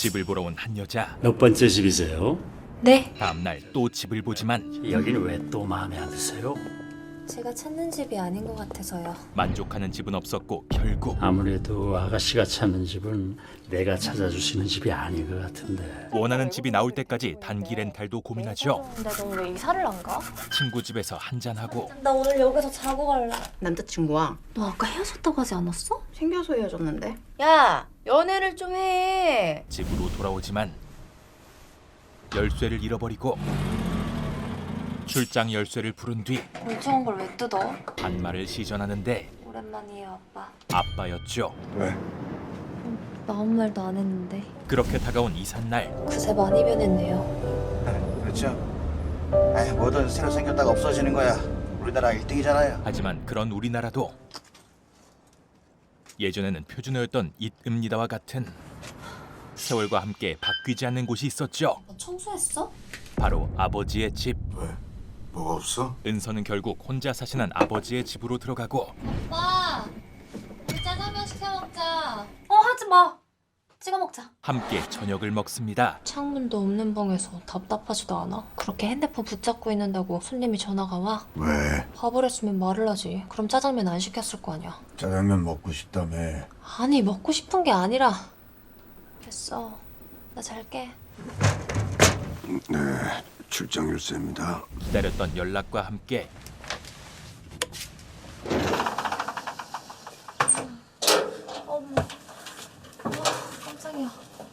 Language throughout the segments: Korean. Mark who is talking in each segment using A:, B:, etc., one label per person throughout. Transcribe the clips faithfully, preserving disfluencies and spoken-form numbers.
A: 집을 보러 온 한 여자.
B: 몇 번째 집이세요?
C: 네.
A: 다음 날 또 집을 보지만
B: 여기는 왜 또 마음에 안 드세요?
C: 제가 찾는 집이 아닌 것 같아서요.
A: 만족하는 집은 없었고 결국
B: 아무래도 아가씨가 찾는 집은 내가 찾아주시는 집이 아닌 것 같은데.
A: 원하는 집이 나올 때까지 단기 렌탈도 고민하죠.
C: 근데 넌 왜 이사를 안 가?
A: 친구 집에서 한잔하고
C: 나 오늘 여기서 자고 갈래.
D: 남자친구와
C: 너 아까 헤어졌다고 하지 않았어?
D: 생겨서 헤어졌는데. 야, 연애를 좀 해.
A: 집으로 돌아오지만 열쇠를 잃어버리고 출장 열쇠를 부른 뒤
C: 멀쩡한 걸 왜 뜯어?
A: 반말을 시전하는데
C: 오랜만이에요, 아빠.
A: 아빠였죠.
E: 왜?
C: 나 아무 말도 안 했는데.
A: 그렇게 다가온 이삿날
C: 그새 많이 변했네요.
E: 그렇죠. 아이, 뭐든 새로 생겼다가 없어지는 거야. 우리나라 일 등이잖아요.
A: 하지만 그런 우리나라도 예전에는 표준어였던 잇읍니다와 같은 세월과 함께 바뀌지 않는 곳이 있었죠.
C: 너 청소했어?
A: 바로 아버지의 집.
E: 왜? 뭐가 없어?
A: 은서는 결국 혼자 사시는 아버지의 집으로 들어가고
C: 오빠, 우리 짜장면 시켜 먹자. 어, 하지 마. 찍어 먹자.
A: 함께 저녁을 먹습니다.
C: 창문도 없는 방에서 답답하지도 않아? 그렇게 핸드폰 붙잡고 있는다고 손님이 전화가 와?
E: 왜?
C: 밥을 했으면 말을 하지. 그럼 짜장면 안 시켰을 거 아니야.
E: 짜장면 먹고 싶다며.
C: 아니, 먹고 싶은 게 아니라. 됐어. 나 잘게.
E: 네, 출장 열쇠입니다.
A: 기다렸던 연락과 함께
C: 어머. 아, 깜짝이야.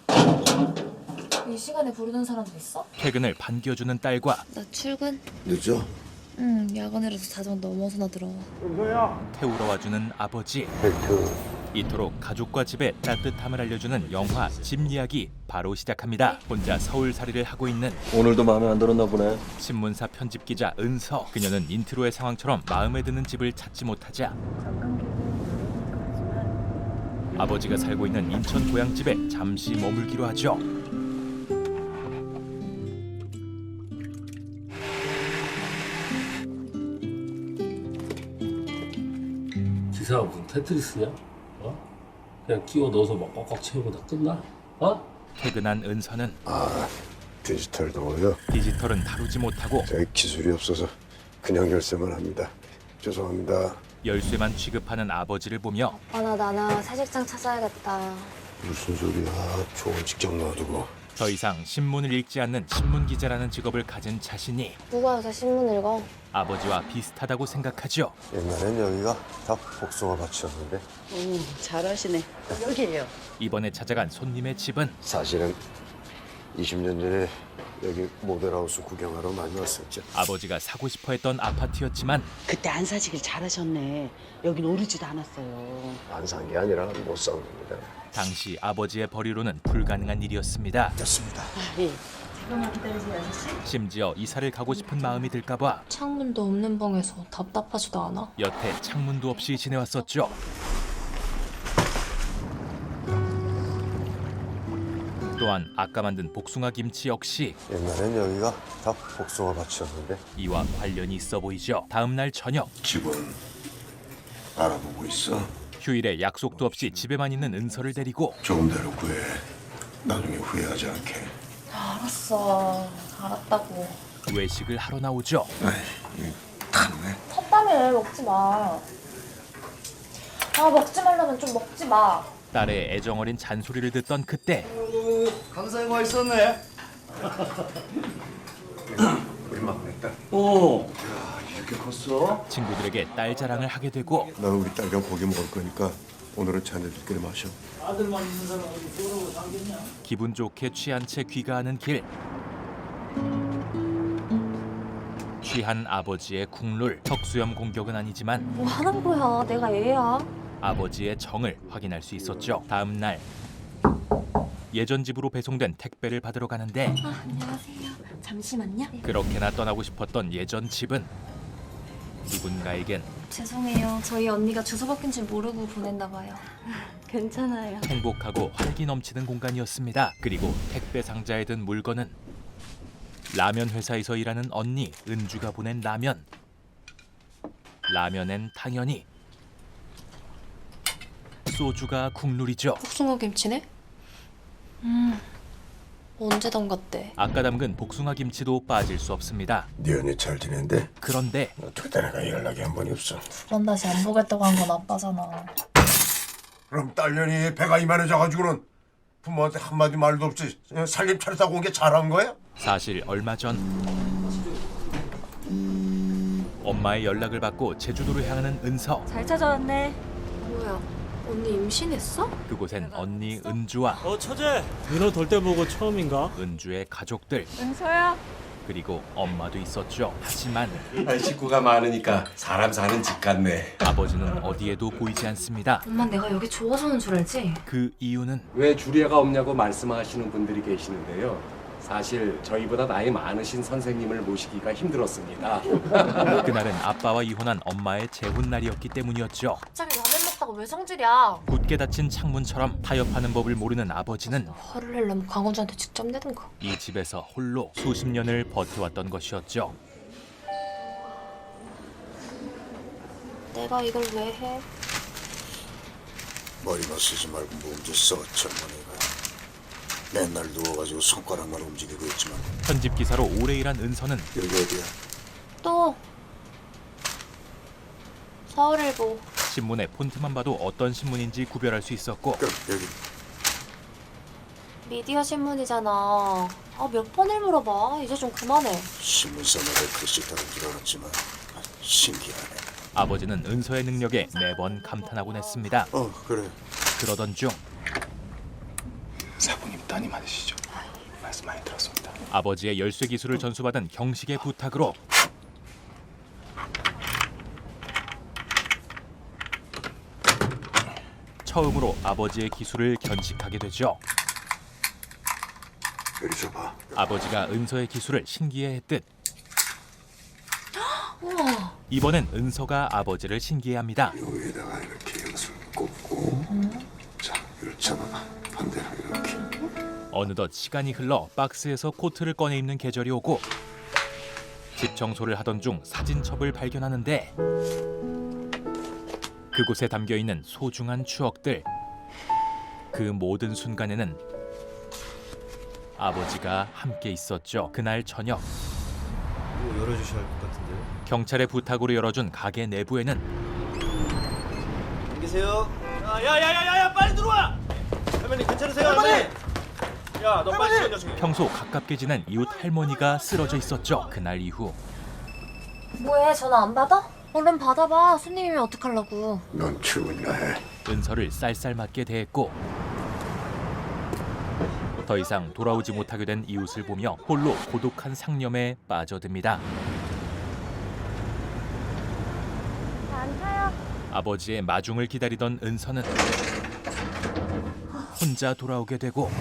C: 이 시간에 부르는 사람도 있어?
A: 퇴근을 반겨주는 딸과
C: 나 출근?
E: 늦어?
C: 응, 야간이라도 자정 넘어서나 들어와.
A: 태우러 와주는 아버지. 이토록 가족과 집의 따뜻함을 알려주는 영화 집 이야기 바로 시작합니다. 혼자 서울살이를 하고 있는
F: 오늘도 마음에 안 들었나 보네.
A: 신문사 편집 기자 은서. 그녀는 인트로의 상황처럼 마음에 드는 집을 찾지 못하자 아버지가 살고 있는 인천 고향집에 잠시 머물기로 하죠.
B: 기사가 무슨 테트리스냐? 어? 그냥 끼워 넣어서 막 꽉꽉 채우고 다 끝나? 어?
A: 퇴근한 은서는
G: 아, 디지털 도어요?
A: 디지털은 다루지 못하고
G: 저희 기술이 없어서 그냥 열쇠만 합니다. 죄송합니다.
A: 열쇠만 취급하는 아버지를 보며
C: 아, 나 나나 새 직장 찾아야겠다.
G: 무슨 소리야? 좋은 직장 놔두고.
A: 더 이상 신문을 읽지 않는 신문 기자라는 직업을 가진 자신이
C: 누가 요새 신문 읽어?
A: 아버지와 비슷하다고 생각하죠.
G: 옛날엔 여기가 다 복숭아 밭이었는데
D: 오, 잘하시네. 여기요.
A: 이번에 찾아간 손님의 집은
G: 사실은 이십 년 전에 여기 모델하우스 구경하러 많이 왔었죠.
A: 아버지가 사고 싶어 했던 아파트였지만
D: 그때 안 사시길 잘하셨네. 여긴 오르지도 않았어요.
G: 안 산 게 아니라 못 산 겁니다.
A: 당시 아버지의 벌이로는 불가능한 일이었습니다.
E: 됐습니다.
D: 아, 예. 잠깐만 기다리세요, 아저씨.
A: 심지어 이사를 가고 싶은 마음이 들까봐
C: 창문도 없는 방에서 답답하지도 않아?
A: 여태 창문도 없이 지내왔었죠. 또한 아까 만든 복숭아 김치 역시
G: 옛날엔 여기가 다 복숭아 밭이었는데
A: 이와 관련이 있어 보이죠. 다음 날 저녁
E: 집은 알아보고 있어.
A: 휴일에 약속도 없이 집에만 있는 은서를 데리고
E: 조금 대로 구해. 나중에 후회하지 않게.
C: 알았어. 알았다고.
A: 외식을 하러 나오죠.
E: 아이, 이 타네.
C: 컵밤에 먹지 마. 아, 먹지 말라면 좀 먹지 마.
A: 딸의 애정어린 잔소리를 듣던 그때
E: 감사히 와 있었네. 우리 막내딸.
B: 어.
E: 이렇게 컸어?
A: 친구들에게 딸 자랑을 하게 되고
G: 나는 우리 딸과 고기 먹을 거니까 오늘은 자네들끼리 마셔.
B: 아들만 있는 사람은 쏘라고 상겠냐?
A: 기분 좋게 취한 채 귀가하는 길. 취한 아버지의 국룰. 턱수염 공격은 아니지만
C: 뭐 하는 거야? 내가 얘야.
A: 아버지의 정을 확인할 수 있었죠. 다음 날 예전 집으로 배송된 택배를 받으러 가는데
C: 아, 안녕하세요. 잠시만요.
A: 그렇게나 떠나고 싶었던 예전 집은 누군가에겐
C: 죄송해요. 저희 언니가 주소 바뀐 줄 모르고 보냈나 봐요.
D: 괜찮아요.
A: 행복하고 활기 넘치는 공간이었습니다. 그리고 택배 상자에 든 물건은 라면 회사에서 일하는 언니 은주가 보낸 라면. 라면엔 당연히 소주가 국룰이죠.
C: 복숭아 김치네? 음, 언제 담갔대?
A: 아까 담근 복숭아 김치도 빠질 수 없습니다.
G: 네 언니 잘 지낸대?
A: 그런데
G: 어떻게 내가 연락이 한 번이 없어.
C: 두 번 다시 안 보겠다고 한 건 아빠잖아.
G: 그럼 딸년이 배가 이만해져가지고는 부모한테 한마디 말도 없이 살림 차렸다고 온 게 잘한 거야?
A: 사실 얼마 전 엄마의 연락을 받고 제주도로 향하는 은서.
F: 잘 찾아왔네.
C: 뭐야, 언니 임신했어?
A: 그곳엔 언니 은주와
H: 어 처제 민호 돌 때 보고 처음인가?
A: 은주의 가족들
F: 은서야.
A: 그리고 엄마도 있었죠. 하지만
I: 식구가 많으니까 사람 사는 집 같네.
A: 아버지는 어디에도 보이지 않습니다.
C: 엄마 내가 여기 좋아서는 줄 알지?
A: 그 이유는
I: 왜 주례가 없냐고 말씀하시는 분들이 계시는데요. 사실 저희보다 나이 많으신 선생님을 모시기가 힘들었습니다.
A: 그날은 아빠와 이혼한 엄마의 재혼 날이었기 때문이었죠.
C: 갑자기 라면 먹다가 왜 성질이야?
A: 굳게 닫힌 창문처럼 타협하는 법을 모르는 아버지는
C: 화를 내려면 광원주한테 직접 내든가.
A: 이 집에서 홀로 수십 년을 버텨왔던 것이었죠.
C: 내가 이걸 왜 해?
G: 머리만 쓰지 말고 몸 좀 써, 젊은이가. 맨날 누워가지고 손가락만 움직이고 있지만.
A: 편집 기사로 오래 일한 은서는
G: 여기 어디야?
C: 또 서울일보.
A: 신문의 폰트만 봐도 어떤 신문인지 구별할 수 있었고
G: 그럼 여기.
C: 미디어 신문이잖아. 아, 몇 번을 물어봐. 이제 좀 그만해.
G: 신문사마다 글씨 다른 줄 알았지만 아, 신기하네.
A: 아버지는 은서의 능력에 매번 감탄하곤 했습니다.
G: 어 그래.
A: 그러던 중
I: 사부님 따님 아니시죠? 말씀 많이 들었습니다.
A: 아버지의 열쇠 기술을 전수받은 경식의 부탁으로 처음으로 아버지의 기술을 견식하게 되죠.
G: 여기 줘봐.
A: 아버지가 은서의 기술을 신기해했듯
C: 우와.
A: 이번엔 은서가 아버지를 신기해합니다.
G: 여기에다가 이렇게 연습 꽂고. 자, 이걸 잡아봐. 반대로 이렇게.
A: 어느덧 시간이 흘러 박스에서 코트를 꺼내 입는 계절이 오고 집 청소를 하던 중 사진첩을 발견하는데 그곳에 담겨있는 소중한 추억들. 그 모든 순간에는 아버지가 함께 있었죠. 그날 저녁
H: 뭐 열어주셔야 할 것 같은데요.
A: 경찰의 부탁으로 열어준 가게 내부에는
H: 계세요. 야야야야야 빨리 들어와. 할머니 괜찮으세요 할머니? 야너 빨리 시간 녀석이.
A: 평소 가깝게 지낸 이웃 할머니가 쓰러져 있었죠. 그날 이후
C: 뭐해, 전화 안 받아? 얼른 받아봐. 손님이면 어떡하려고.
G: 넌 출근이나 해.
A: 은서를 쌀쌀맞게 대했고 더 이상 돌아오지 못하게 된 이웃을 보며 홀로 고독한 상념에 빠져듭니다. 아버지의 마중을 기다리던 은서는 혼자 돌아오게 되고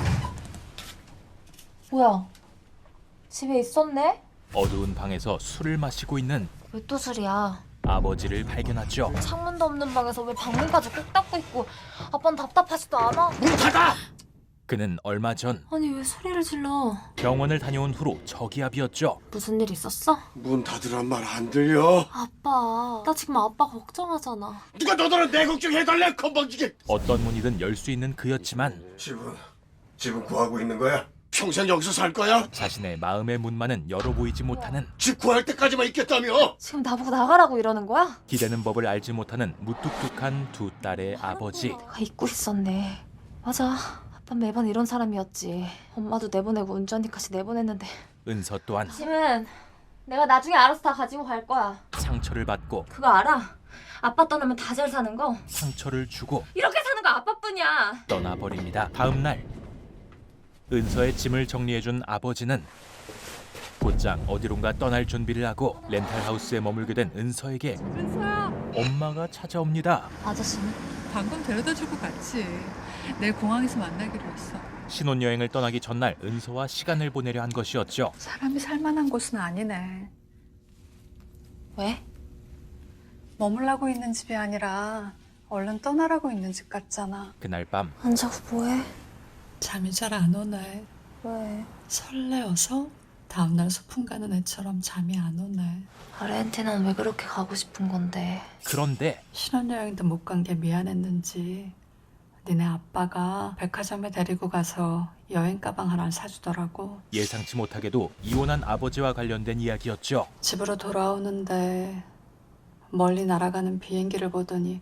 C: 뭐야, 집에 있었네?
A: 어두운 방에서 술을 마시고 있는
C: 왜 또 술이야?
A: 아버지를 발견하죠.
C: 창문도 없는 방에서 왜 방문까지 꼭 닫고 있고. 아빠는 답답하지도 않아?
A: 그는 얼마 전
C: 아니 왜 소리를 질러?
A: 병원을 다녀온 후로 저기압이었죠.
C: 무슨 일 있었어?
G: 문 닫으란 말 안 들려?
C: 아빠, 나 지금 아빠 걱정하잖아.
G: 누가 너더러 내 걱정해달래 건방지게.
A: 어떤 문이든 열 수 있는 그였지만
G: 집은 집은 구하고 있는 거야? 평생 여기서 살 거야?
A: 자신의 마음의 문만은 열어 보이지 못하는
G: 집 구할 때까지만 있겠다며?
C: 지금 나보고 나가라고 이러는 거야?
A: 기대는 법을 알지 못하는 무뚝뚝한 두 딸의 아버지.
C: 내가 잊고 있었네. 맞아, 아빠 매번 이런 사람이었지. 엄마도 내보내고 은주언니까지 내보냈는데.
A: 은서 또한
C: 짐은 내가 나중에 알아서 다 가지고 갈 거야.
A: 상처를 받고
C: 그거 알아? 아빠 떠나면 다 잘 사는 거?
A: 상처를 주고
C: 이렇게 사는 거 아빠뿐이야.
A: 떠나버립니다. 다음 날 은서의 짐을 정리해준 아버지는 곧장 어디론가 떠날 준비를 하고 렌탈하우스에 머물게 된 은서에게
F: 은서야.
A: 엄마가 찾아옵니다.
C: 아저씨는?
F: 방금 데려다주고 갔지. 내일 공항에서 만나기로 했어.
A: 신혼여행을 떠나기 전날 은서와 시간을 보내려 한 것이었죠.
F: 사람이 살만한 곳은 아니네.
C: 왜?
F: 머물라고 있는 집이 아니라 얼른 떠나라고 있는 집 같잖아.
A: 그날 밤
C: 안 자고 뭐해?
F: 잠이 잘 안 오네.
C: 왜?
F: 설레어서 다음날 소풍 가는 애처럼 잠이 안 오네.
C: 아르헨티나는 왜 그렇게 가고 싶은 건데?
A: 그런데
F: 신혼여행도 못 간 게 미안했는지 니네 아빠가 백화점에 데리고 가서 여행 가방 하나 사주더라고.
A: 예상치 못하게도 이혼한 아버지와 관련된 이야기였죠.
F: 집으로 돌아오는데 멀리 날아가는 비행기를 보더니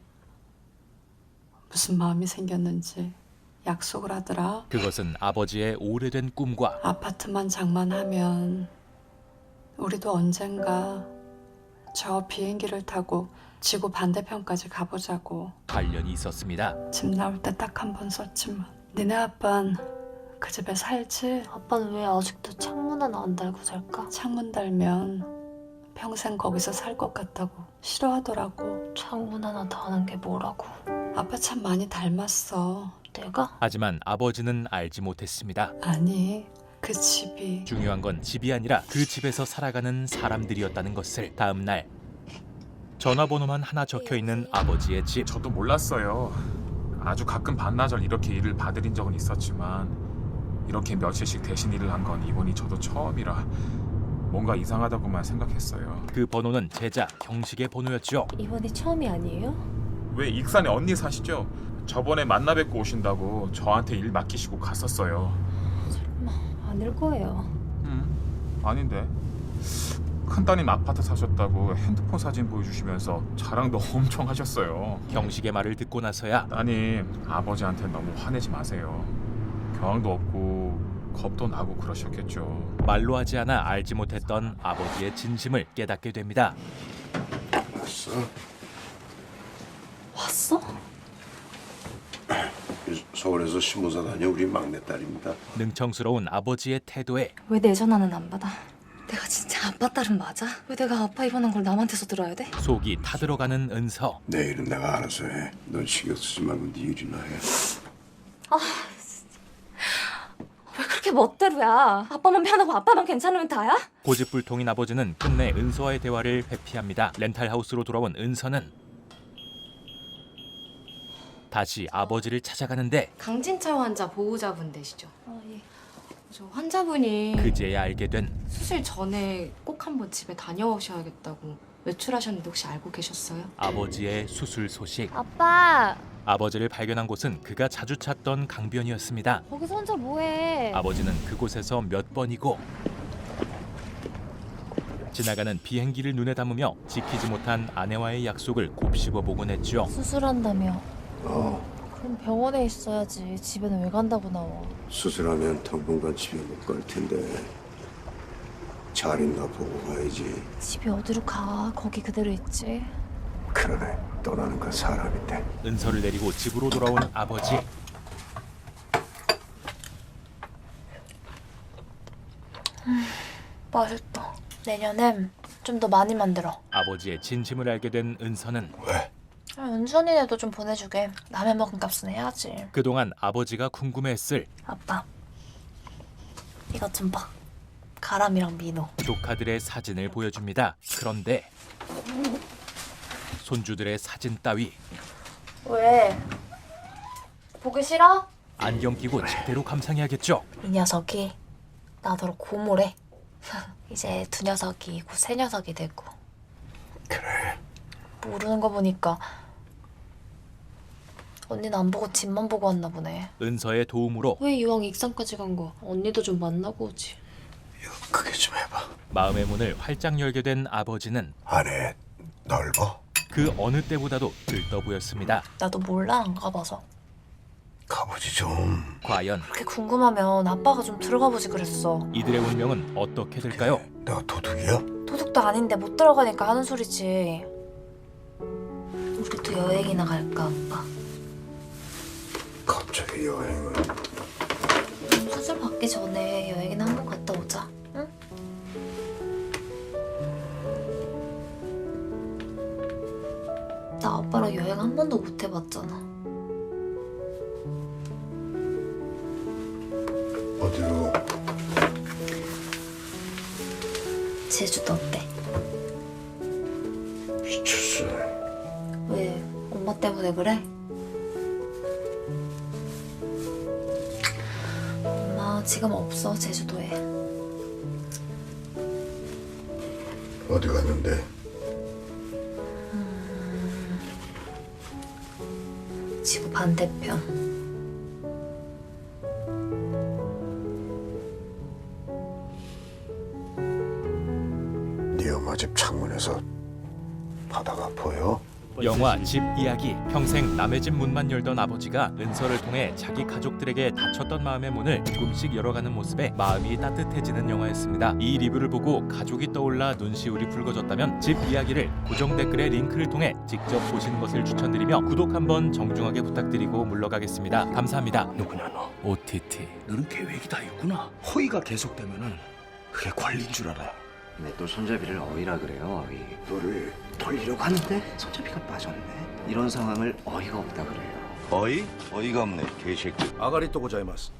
F: 무슨 마음이 생겼는지 약속을 하더라.
A: 그것은 아버지의 오래된 꿈과
F: 아파트만 장만하면 우리도 언젠가 저 비행기를 타고 지구 반대편까지 가보자고.
A: 관련이 있었습니다.
F: 집 나올 때 딱 한 번 썼지만 니네 아빤 그 집에 살지?
C: 아빠는 왜 아직도 창문 하나 안 달고 살까?
F: 창문 달면 평생 거기서 살 것 같다고 싫어하더라고.
C: 창문 하나 다는 게 뭐라고?
F: 아빠 참 많이 닮았어.
C: 내가?
A: 하지만 아버지는 알지 못했습니다.
F: 아니 그 집이
A: 중요한 건 집이 아니라 그 집에서 살아가는 사람들이었다는 것을. 다음 날 전화번호만 하나 적혀있는 아버지의 집.
J: 저도 몰랐어요. 아주 가끔 반나절 이렇게 일을 봐드린 적은 있었지만 이렇게 며칠씩 대신 일을 한 건 이번이 저도 처음이라 뭔가 이상하다고만 생각했어요.
A: 그 번호는 제자 경식의 번호였죠.
C: 이번이 처음이 아니에요?
J: 왜 익산에 언니 사시죠? 저번에 만나 뵙고 오신다고 저한테 일 맡기시고 갔었어요.
C: 아닐 거예요.
J: 음, 아닌데. 큰따님 아파트 사셨다고 핸드폰 사진 보여주시면서 자랑도 엄청 하셨어요.
A: 경식의 말을 듣고 나서야
J: 따님, 아버지한테 너무 화내지 마세요. 경황도 없고 겁도 나고 그러셨겠죠.
A: 말로 하지 않아 알지 못했던 아버지의 진심을 깨닫게 됩니다.
G: 왔어?
C: 왔어?
G: 서울에서 신문사 다녀 우리 막내딸입니다.
A: 능청스러운 아버지의 태도에
C: 왜 내 전화는 안 받아? 내가 진짜 아빠 딸은 맞아? 왜 내가 아빠 입원한 걸 남한테서 들어야 돼?
A: 속이 타들어가는 은서.
G: 내일은 내가 알아서 해. 넌 신경 쓰지 말고 네 일이나 해.
C: 왜 그렇게 멋대로야? 아빠만 편하고 아빠만 괜찮으면 다야?
A: 고집불통인 아버지는 끝내 은서와의 대화를 회피합니다. 렌탈하우스로 돌아온 은서는 다시 아버지를 찾아가는데
K: 강진철 환자 보호자분 되시죠?
C: 아 예.
K: 저 환자분이
A: 그제야 알게 된
K: 수술 전에 꼭 한번 집에 다녀오셔야겠다고 외출하셨는데 혹시 알고 계셨어요?
A: 아버지의 수술 소식.
C: 아빠
A: 아버지를 발견한 곳은 그가 자주 찾던 강변이었습니다.
C: 거기서 혼자 뭐해?
A: 아버지는 그곳에서 몇 번이고 지나가는 비행기를 눈에 담으며 지키지 못한 아내와의 약속을 곱씹어 보곤 했죠.
C: 수술한다며.
G: 어,
C: 그럼 병원에 있어야지. 집에는 왜 간다고 나와?
G: 수술하면 당분간 집에 못 갈 텐데 잘 있나 보고 가야지.
C: 집이 어디로 가? 거기 그대로 있지.
G: 그러네, 떠나는 건 사람인데.
A: 은서를 내리고 집으로 돌아온 아버지.
C: 맛있다. 내년엔 좀 더 많이 만들어.
A: 아버지의 진심을 알게 된 은서는
G: 왜?
C: 아, 은선이네도 좀 보내주게. 남의 먹은 값은 해야지.
A: 그동안 아버지가 궁금해했을
C: 아빠 이것 좀 봐. 가람이랑 민호.
A: 조카들의 사진을 보여줍니다. 그런데 손주들의 사진 따위
C: 왜? 보기 싫어?
A: 안경 끼고 제대로 감상해야겠죠.
C: 이 녀석이 나더러 고모래. 이제 두 녀석이 곧 세 녀석이 되고.
G: 그래.
C: 모르는 거 보니까 언니는 안 보고 집만 보고 왔나 보네.
A: 은서의 도움으로
K: 왜 이왕 익산까지 간 거 언니도 좀 만나고 오지.
G: 크게 좀 해봐.
A: 마음의 문을 활짝 열게 된 아버지는
G: 안에 넓어?
A: 그 어느 때보다도 들떠 보였습니다.
C: 나도 몰라, 안 가봐서.
G: 가보지 좀.
A: 과연
C: 그렇게 궁금하면 아빠가 좀 들어가 보지 그랬어.
A: 이들의 운명은 어떻게 될까요?
G: 내가 도둑이야?
C: 도둑도 아닌데 못 들어가니까 하는 소리지. 우리도 여행이나 갈까, 아빠?
G: 갑자기 여행을.
C: 수술 받기 전에 여행이나 한번 갔다 오자, 응? 나 아빠랑 여행 한 번도 못 해봤잖아.
G: 어디로?
C: 제주도 어때?
G: 미쳤어.
C: 왜? 엄마 때문에 그래? 엄마 지금 없어, 제주도에.
G: 어디 갔는데?
C: 지구 반대편.
G: 집 창문에서 바다가 보여?
A: 영화 집 이야기. 평생 남의 집 문만 열던 아버지가 은서를 통해 자기 가족들에게 닫혔던 마음의 문을 조금씩 열어가는 모습에 마음이 따뜻해지는 영화였습니다. 이 리뷰를 보고 가족이 떠올라 눈시울이 붉어졌다면 집 이야기를 고정 댓글의 링크를 통해 직접 보시는 것을 추천드리며 구독 한번 정중하게 부탁드리고 물러가겠습니다. 감사합니다.
E: 누구냐 너?
A: 오티티.
E: 너는 계획이 다 있구나. 허위가 계속되면은 그게 권리인 줄 알아.
L: 왜 또 손잡이를 어이라 그래요, 어이.
E: 너를 돌리려고 하는데 손잡이가 빠졌네.
L: 이런 상황을 어이가 없다 그래요.
E: 어이? 어이가 없네 개새끼. 아가리 또 고자이마스.